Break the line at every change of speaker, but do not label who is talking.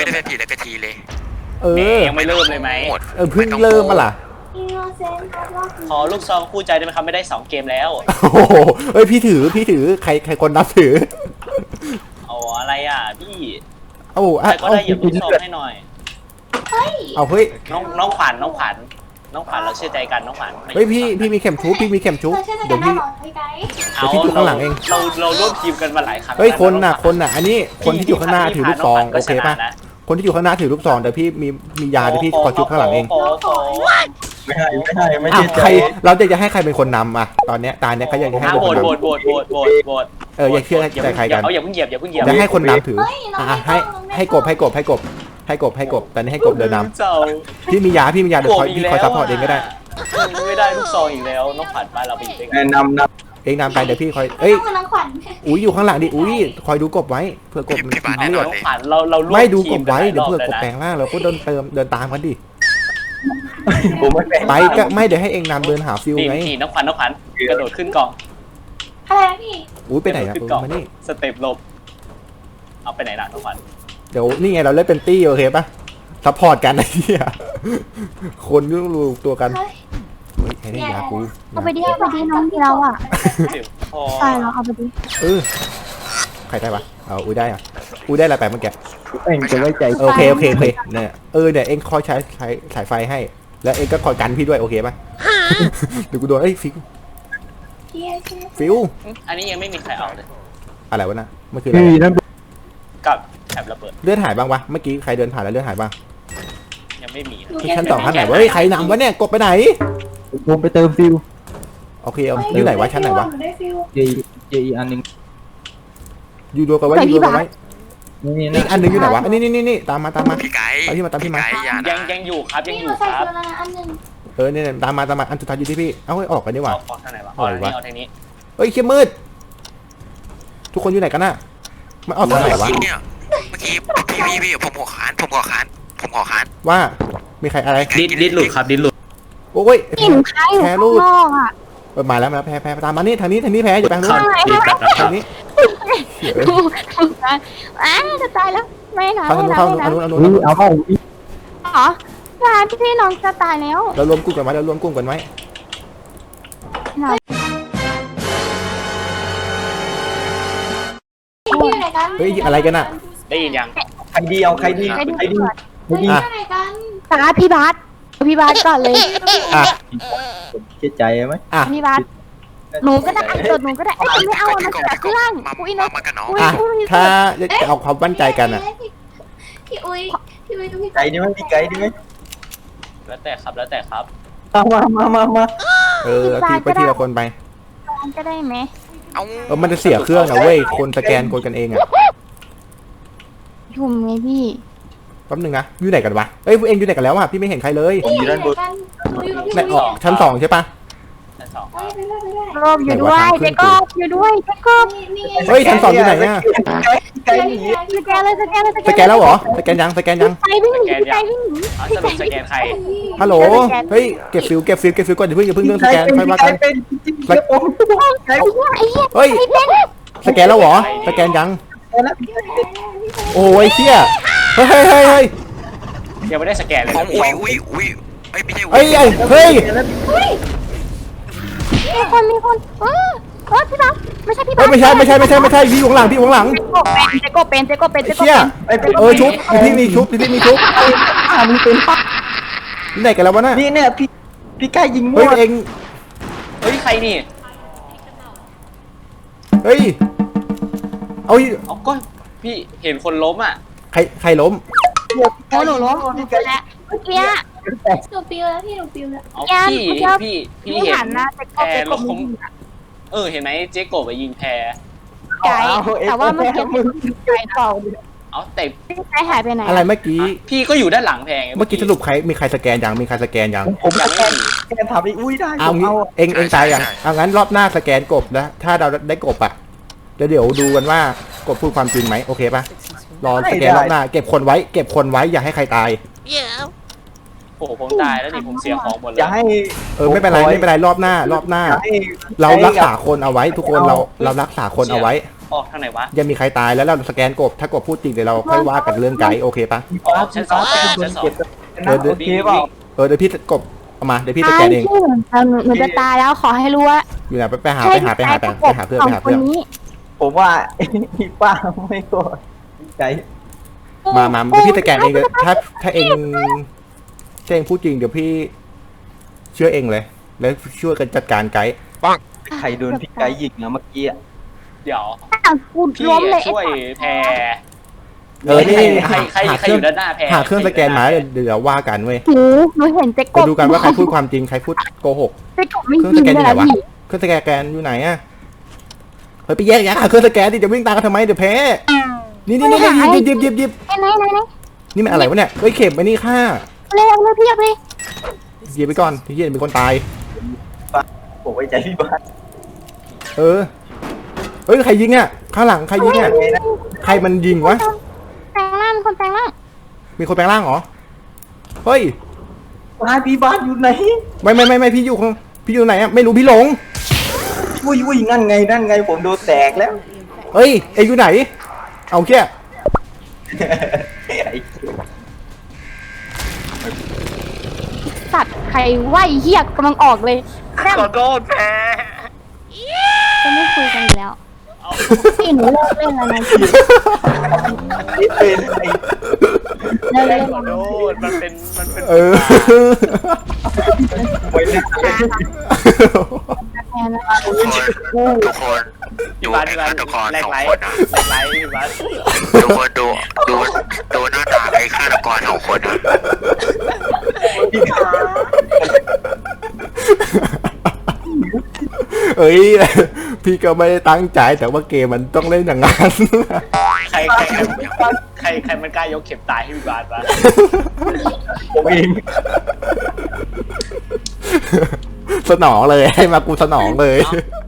ไม่ได้เป็นผีแล้วก็ทีเลย
ยังไม่เริ่มเลยไหม
เพิ่งเริ่มมาล่ะ
ขอลูกซองคู่ใจได้ไหมครับไม่ได้2 เกมแล้ว
โอ้โหเฮ้ยพี่ถือใครคนนับถือ
เอาอะไรพี่
เอา
ใครก็ได้หยิบลูกซองให้หน่อย
เอาเฮ้ย
น้องขวัญเราเชื่อใจกันน้องขวัญ
เฮ้ยพี่มีเข็มชุบเดี๋ยวพี่อยู่ข้างหลังเอง
เราร่วมทีมกันมาหลายครั้ง
เฮ้ยคนน่ะอันนี้คนที่อยู่ข้างหน้าถือลูกซองโอเคป่ะคนที่อยู่ข้างหน้าถือลูกซองเดี๋ยวพี่มียาเดี๋ยวพี่ขอชุบข้างหลังเอง
ไม่ใช่
ใครเราจะให้ใครเป็นคนนำอ่ะตอนเนี้ยตาเนี้ยเขาอยากจะให้
โหวต
อยากเชื่อใจใครกัน
อย่าเพิ่งเหยียบ
จะให้คนนำถือให้กบตอนนี้ให้กบเดินนำพี่มียาเดี๋ยวพี่คอยซัพพอร์ตเองก็ได้
ไม่ได้ลูกซองอีกแล้วน้องขวัญไปเราไปอยู่ด้วยกัน
เองนำไปเดี๋ยวพี่คอยอุ้ยอยู่ข้างหลังดิอุ้ยคอยดูกบไว้เผื่อกบมัน
น้องขวัญเรา
ไม่ดูกบไว้เดี๋ยวเผื่อกบแปลงร่างเราก็เดินตามกันดิไปก็ไม่เดี๋ยวให้เองนำเดินหาฟิวไง
น้องขวัญกระโดดขึ้นกอง
อะไรพี่
อุ้ยไปไหนครับมานี่
สเต็ปหลบเอาไปไหนล่ะน้องขวัญ
เดี๋ยวนี่ไงเราเล่นเป็นตี้โอเคปะซัพพอร์ตกันไอ้เหี้ยคนยุ่งรู้ตัวกันเฮ้ยใครได้ยากู
เอาไปดิน้องเราใช่เราเอาไปดิ
ใครได้ปะเอาอุ้ยได้อะอุ้ยได้อะไรไปเมื่อกี้
เองจะไว้ใจ
โอเคเนี่ยเนี่ยเองคอยใช้สายไฟให้แล้วเองก็คอยกันพี่ด้วยโอเคปะเดี๋ยวกูโดนฟิว
อันนี้ยังไม่มีใครเอาเลย
อะไรวะน่ะเมื่อคืนอะไร
กับแอบระเบิด
เลือดหายบ้างวะเมื่อกี้ใครเดินผ่านแล้วเลือดหายบ้าง
ยังไม่มี
ชั้น2ชั้นไหนวะเฮ้ยใครนำวะเนี่ยกดไปไหน
ผมไปเติมฟิว
โอเคเอาอยู่ไหนวะชั้นไหนวะ
เจอีอันนึง
อยู่ดูกันไว้อีกอันนึงอยู่ไหนวะนี่ตามมา
พี่ไก่
ตามพี่มา
ยังอยู่ครับ
เนี่ยตามมาอันสุดท้ายอยู่ที่พี่เอาให้ออกกันดีกว่า
ออกทางไหนวะเอาทางนี้
เฮ้ยเขี้ยมืดทุกคนอยู่ไหนกันน่ะมันออกทางไหนวะ
เนี่ยเมื่อกี้พี่ผมขอค้าน
ว่ามีใครอะไร
ดิดหลุดครับดิดหลุด
โอ้ย
แพ้รูด
มาแล้วแพ้ตามมานี่ทางนี้แพ้อย่าไปทางนี้
จะตายแล้วไม่นะ
เอา
เหรอพี่น้องจะตายแล้ว
เรารวมกลุ่มกันไว้เฮ้ยอะไรกันอ่ะ
ได้ยินยัง
ใครดี
ตาพี่บาสก่อนเลย
เชื่อใจไหม
พี่บาสหนูก็ได้หนูก็ได้ไม่เอามันแต่เครื่อง
อุ้ยมากันน้อง
ถ้าจะเอาความมั่นใจกันอ่ะ
พี่อุ้ย
ไก่ดีไหมพี่ไก่ดีไหม
แล้วแต่ครับมา
พี่ไปทีละคนไป
ก็ได้ไหม
มันจะเสียเครื่องนะเว้ยคนสแกนคนกันเองอ่ะ
ยุ่มไงพี่
แป๊บนึงนะอยู่ไหนกันวะเอ้ยเองอยู่ไหนกันแล้วอ่ะพี่ไม่เห็นใครเลย
อยู่ด้านบน
ชั้น2ใช่ปะ
รอบอยู่ด้วยเจ๊กบอยู่ด้วยเจ๊กบ
เฮ้ยชั้น2อยู่ไหนเนี่ย
สแกน
แล้วเหรอสแกนยัง
ไปวิ่งหนี
สแกนใคร
ฮัลโหลเฮ้ยเก็บฟิวก่อนอย่าเพิ่งเรื่องสแกนค่อยว่ากันเฮ้ยสแกนแล้วเหรอสแกนยังโอ้ยเชี่ยเฮ้ย
ยังไม่ได้สแกนเลย
อุ้ยไม่ใช่
เฮ้ย
มีคนพี่บังไม่ใช่พี่บัง
ไม่ใช่พี่อยู่ข้างหลัง
เจ๊กบเป็น
เชี่ยชุบพี่มีชุบ
มีเป็น
ไหนกันแล้ววะน่ะ
นี่เนี่ยพี่ไก่ยิงมั่ว
เอง
ใครนี่
เอา
ก็พี่เห็นคนล้มอ่ะ
ใครล้ม
หนูล้มแล้วเมื่อกี้หนูปิวแล้วพี่
เห็นนะแพรล้มเห็นไหมเจ๊กบไปยิงแพร
ไก่แต่ว่าเมื่อกี้ไก่ต่อ
แต่
ไก่หายไปไหน
อะไรเมื่อกี้
พี่ก็อยู่ด้านหลังแพร
เมื่อกี้สรุปมีใครสแกนยัง
ผมสแกนถามอุ้ยได้
เอาเองตายยังเอางั้นรอบหน้าสแกนกบนะถ้าเราได้กบอ่ะเดี๋ยวดูกันว่ากบพูดความจริงไหมโอเคป่ะรอสแกนรอบหน้าเก็บคนไว้อย่าให้ใครตาย
โอ้ผมตายแล้วนี่ผมเสียของหมดเลย
อย่าให้
ไม่เป็นไรรอบหน้าเรารักษาคนเอาไว้ทุกคนเรารักษาคนเอาไว้
ออกทางไหนวะ
ยังมีใครตายแล้วเราสแกนกบถ้ากบพูดจริงเดี๋ยวเราค่อยว่ากันเรื่องไกด์โอเคปะ
อ๋อชั้นสองชั้นสอง
โอเคเปล่า
เดี๋ยวพี่กบเอามาเดี๋ยวพี่สแกนเอง
หนูจะตายแล้วขอให้รู้ว่า
อยู่ไหนไปหาเพื่อนไปหาเพื่อน
สองคนนี้
ผมว่าพี่ป้าไม่โกรธพี่ไก่
มาเดี๋ยวพี่สแกนเองเลยถ้าเองพูดจริงเดี๋ยวพี่เชื่อเองเลย แล้วช่วยกันจัดการไกด์
ใครโดนพี่ไก่ยิงนะเมื่อกี้อ่ะ
เดี๋ยว
กู
พี่
ล้มเลย
ช่วยแพร
นี่
ใครอยู่ด้านหน้าแพร
หาเครื่องสแกนมาเดี๋ยวว่ากันเว้ย
หนูเห็นเจ๊ก
จะ
บ
ดูกันว่าใครพูดความจริงใครพูดโกหก
เจ๊กบไม่
เครื่อง
ยิ
ส
ง
แกนอ
เล
ยู่
ย
ไหนวะ
พี่
เครื่องสแกนอยู่ไหนอะเฮ้ยไปแยกหาเครื่องสแกนดิจะวิ่งตามกันทำไมเดี๋ยวแพ้นี่หยิบ
ไหน
นี่มันอะไรวะเนี่ยเฮ้ยเข็มไปนี่ค่า
เลยพี่เอาไป
หยิบไปก่อนที่เย็นเป็นคนตาย
ผมไว้ใจพี่บ้าน
เฮ้ยใครยิงอ่ะข้างหลังใครยิงอ่ะใครมันยิงวะ
แปลงร่างคนแปลงร่าง
มีคนแปลงร่างเหรอเฮ้ย
บ้านพี่บ้านอยู่ไหน
ไม่พี่อยู่ไหนอ่ะไม่รู้พี่หลง
อุ้ยนั่นไงผมโดนแตกแล้ว
เฮ้ยเอ็งอยู่ไหนเอาแค่
สัตว์ใครไหวเหี้ยกำลังออกเลยแม่ง
ขอโทษแพร
จะไม่คุยกันอีกแล้วพี่หนูเลิกเล่นแล้วนะพี่
นี่เป็นไอ้
เลิกเล่น
ขอโทษมันเป็น
ไว้หน้า
แทนนะ
ทุกคนดูไอ้ฆาตกร
แลก
สอง
ไลท์
คนนะ
แลกไลท์พี่บัส
ทุกคนดูหน้าตาไอ้ฆาตกรสองคนนะ
เอ้ยพี่ก็ไม่ได้ตั้งใจแต่ว่าเกมมันต้องเล่นอย่างนั้น
ใครมันกล้ายกเข็มตายให้พี่บัสวะ
ผมเอง
สนองเลยให้มากูสนองเลย
เอ้า